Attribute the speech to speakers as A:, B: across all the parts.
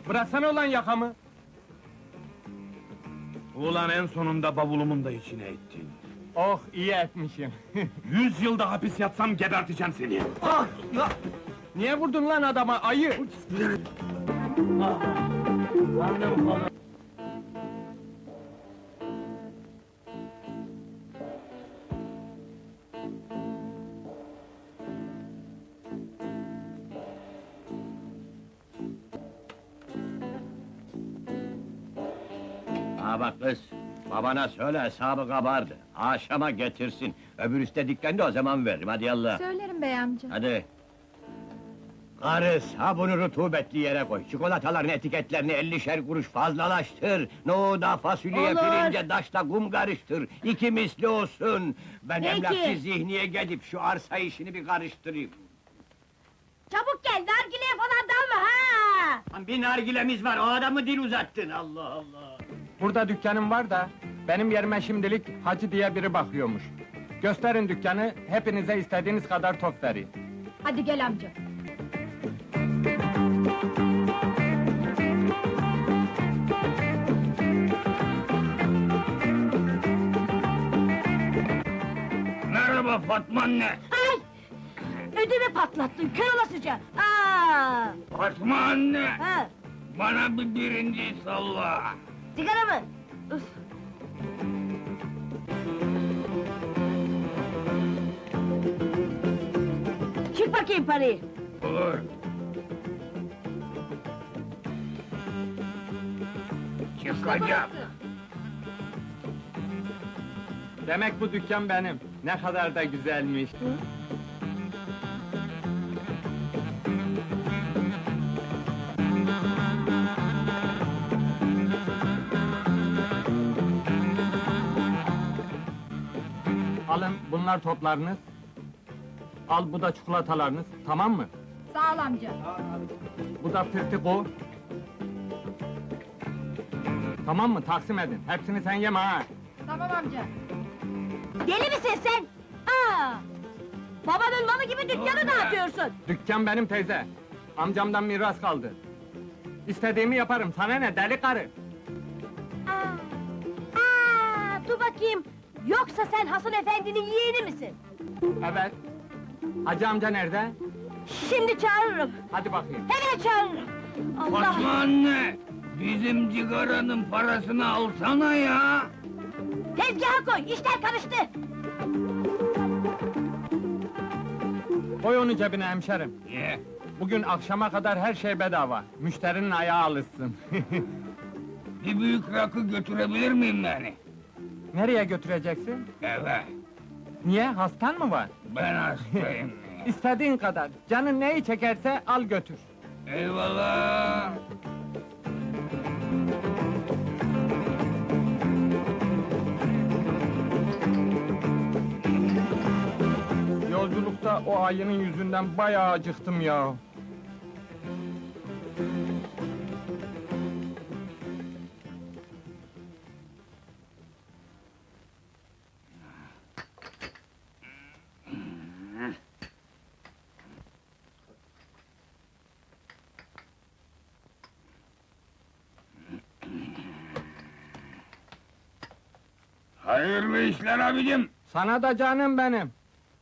A: Bıraksana ulan yakamı!
B: Ulan en sonunda bavulumun da içine ettin.
A: Oh, iyi etmişim!
B: 100 yılda hapis yatsam geberteceğim seni!
A: Ah! Niye vurdun lan adama, ayı?
C: Ha bak kız, babana söyle hesabı kabardı. Akşama getirsin. Öbür üstte dükkanda o zaman veririm, hadi yallah.
D: Söylerim bey amca.
C: Hadi. Karıs, ha bunu rutubetli yere koy. Çikolataların etiketlerini 50'şer kuruş fazlalaştır. Nohuda, fasulyeye,
D: Olur.
C: pirince, daşla kum karıştır. İki misli olsun. Ben
D: Peki.
C: emlakçı Zihni'ye gidip şu arsa işini bir karıştırayım.
D: Çabuk gel, nargileye falan dalma ha!
C: Lan bir nargilemiz var, o adamı dil uzattın, Allah Allah!
A: Burada dükkanım var da, benim yerime şimdilik Hacı diye biri bakıyormuş. Gösterin dükkanı, hepinize istediğiniz kadar top vereyim.
D: Hadi gel amca.
B: Merhaba Fatma anne!
D: Ay! Ödümü patlattın, kör olasıca! Aa!
B: Fatma anne!
D: Ha!
B: Bana bir birinci salla!
D: Sigara mı? Üf! Çık bakayım parayı!
B: Olur! Çıkacağım!
A: Demek bu dükkan benim. Ne kadar da güzelmiş. Alın, bunlar toplarınız. Al, bu da çikolatalarınız, tamam mı?
D: Sağ ol amca.
A: Bu da pirtiko. Tamam mı? Taksim edin. Hepsini sen yeme ha!
D: Tamam amca. Deli misin sen? Aa! Babanın malı gibi dükkanı dağıtıyorsun!
A: Dükkan benim teyze. Amcamdan miras kaldı. İstediğimi yaparım, sana ne deli karı?
D: Aa! Aa! Dur bakayım! Yoksa sen Hasan efendinin yeğeni misin?
A: Evet. Hacı amca nerede?
D: Şimdi çağırırım!
A: Hadi bakayım.
D: Hemen çağırırım! Allah!
B: Fatma anne! Bizim cigaranın parasını alsana ya!
D: Tezgaha koy, işler karıştı!
A: Koy onu cebine hemşerim.
B: Ye!
A: Bugün akşama kadar her şey bedava. Müşterinin ayağı alışsın.
B: Bir büyük rakı götürebilir miyim yani?
A: Nereye götüreceksin?
B: Eve!
A: Niye? Hastan mı var?
B: Ben hastayım!
A: İstediğin kadar. Canın neyi çekerse al götür.
B: Eyvallah!
A: Yolculukta o ayının yüzünden bayağı acıktım ya.
B: Hayırlı işler abicim!
A: Sana da canım benim.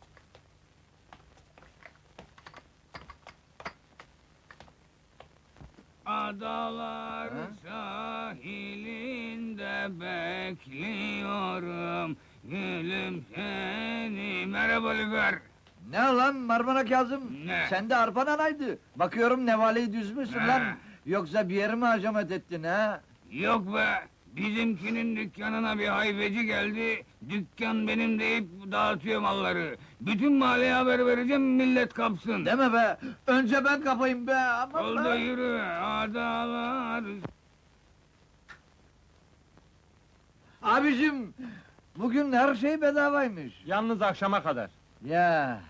B: Adalar sahilinde bekliyorum gülüm seni. Merhaba Lüfer!
E: Ne lan Marmara Kazım?
B: Ne?
E: Sen de arpan anaydı. Bakıyorum nevaleyi düzmüşsün
B: Ne?
E: lan. Yoksa bir yeri mi hacamet ettin ha?
B: Yok be! Bizimkinin dükkanına bir hayfeci geldi, dükkan benim deyip dağıtıyor malları. Bütün mahalleye haber vereceğim, millet kapsın.
E: Deme be! Önce ben kapayım be! Aman
B: Ol da
E: be!
B: yürü, adalar...
E: Abicim! Bugün her şey bedavaymış.
A: Yalnız akşama kadar.
E: Ya!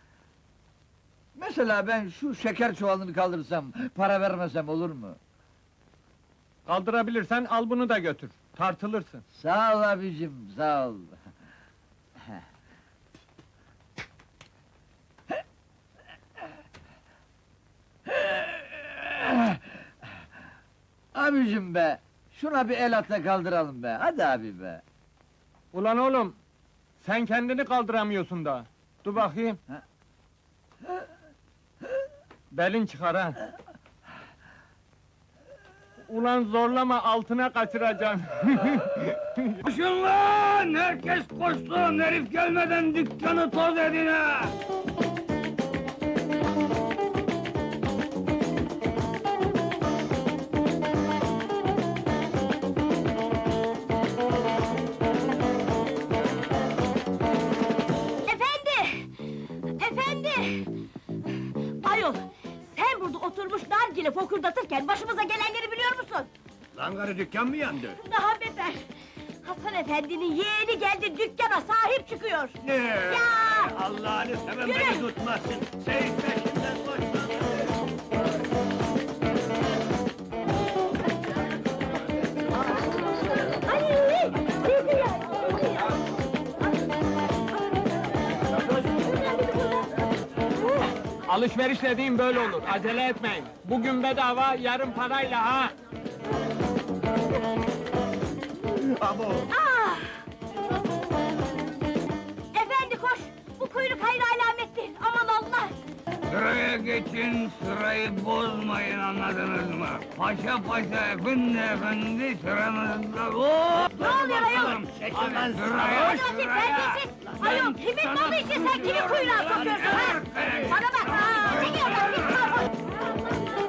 E: Mesela ben şu şeker çuvalını kaldırsam, para vermesem olur mu?
A: Kaldırabilirsen al bunu da götür. Tartılırsın.
E: Sağ ol abicim, sağ ol. Abicim be! Şuna bir el atla kaldıralım be, hadi abi be!
A: Ulan oğlum, sen kendini kaldıramıyorsun da. Dur bakayım. Belin çıkar ha. Ulan zorlama, altına kaçıracaksın.
B: Koşun lan! Herkes koşsun! Herif gelmeden dükkanı toz edin ha!
D: Efendi! Efendi! Ayol, sen burada oturmuş nargile fokurdatırken başımıza gelenleri biliyor musun?
C: Lan karı dükkan mı yandı?
D: Daha beter! Hasan efendinin yeğeni geldi, dükkana sahip çıkıyor!
C: Ne?
D: Ya!
C: Allah'ını seven
D: Yürü!
C: beni tutmasın! Seyit peşinden koşma!
D: Ay! Sizi ya! Sizi ya!
A: Alışveriş dediğim böyle olur, acele etmeyin. Bugün bedava, yarın parayla ha!
C: Abo!
D: Ah! Efendi koş! Bu kuyruk hayır alamettir, aman Allah!
B: Sıraya geçin, sırayı bozmayın, anladınız mı? Paşa paşa, efendi sıranızda... Hop!
D: Ne oluyor ayol?
B: Bakalım.
C: Çekil lan
B: Sıraya,
D: Hadi terbiyesiz! Ayol, kimin malı için sen kimi kuyruğa sokuyorsun ha? Bana bak ha! Çekil oradan, pis sarhoş!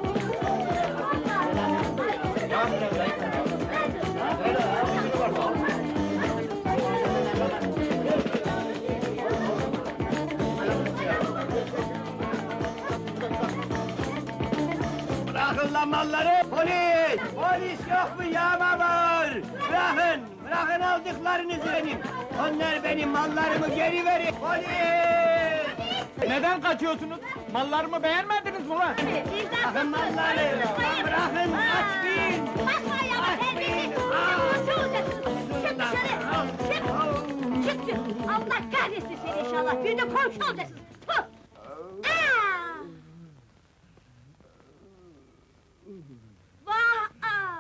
C: Bırakın lan malları! Polis! Polis yok mu ya babur? Bırakın! Bırakın aldıklarınızı benim! Onlar benim, mallarımı geri verin! Polis!
A: Neden kaçıyorsunuz? Mallarımı beğenmediniz mi lan?
C: Bırakın malları! Bırakın, açmayın!
D: Basma ya, terbiyesiz! Koşu olacaksın! Çık dışarı! Çık! Çık diyor! Allah kahretsin seni inşallah! Bir de komşu olacaksın! Puh! Aa! Vah! Aa!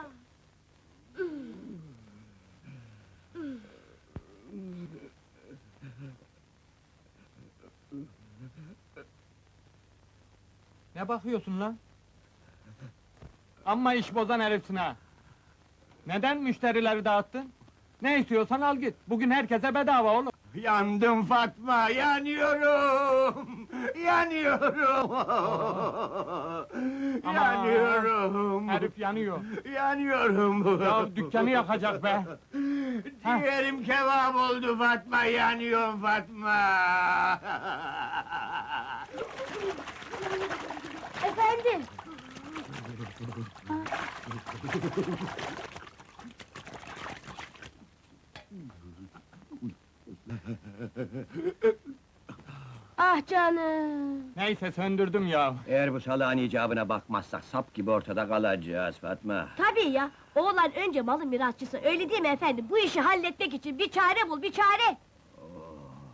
A: Ne bakıyorsun lan? Amma iş bozan herifsin ha! Neden müşterileri dağıttın? Ne istiyorsan al git, bugün herkese bedava oğlum!
C: Yandım Fatma, yanıyorum! Yanıyorum!
A: Aman!
C: Yanıyorum!
A: Herif yanıyor!
C: Yanıyorum!
A: Ya dükkanı yakacak be!
C: Ciğerim kebap oldu Fatma, yanıyorum Fatma!
D: Efendim! Ah canım!
A: Neyse söndürdüm ya!
C: Eğer bu salağın icabına bakmazsak sap gibi ortada kalacağız Fatma.
D: Tabii ya! Oğlan önce malın mirasçısı, öyle değil mi efendim? Bu işi halletmek için bir çare bul, bir çare!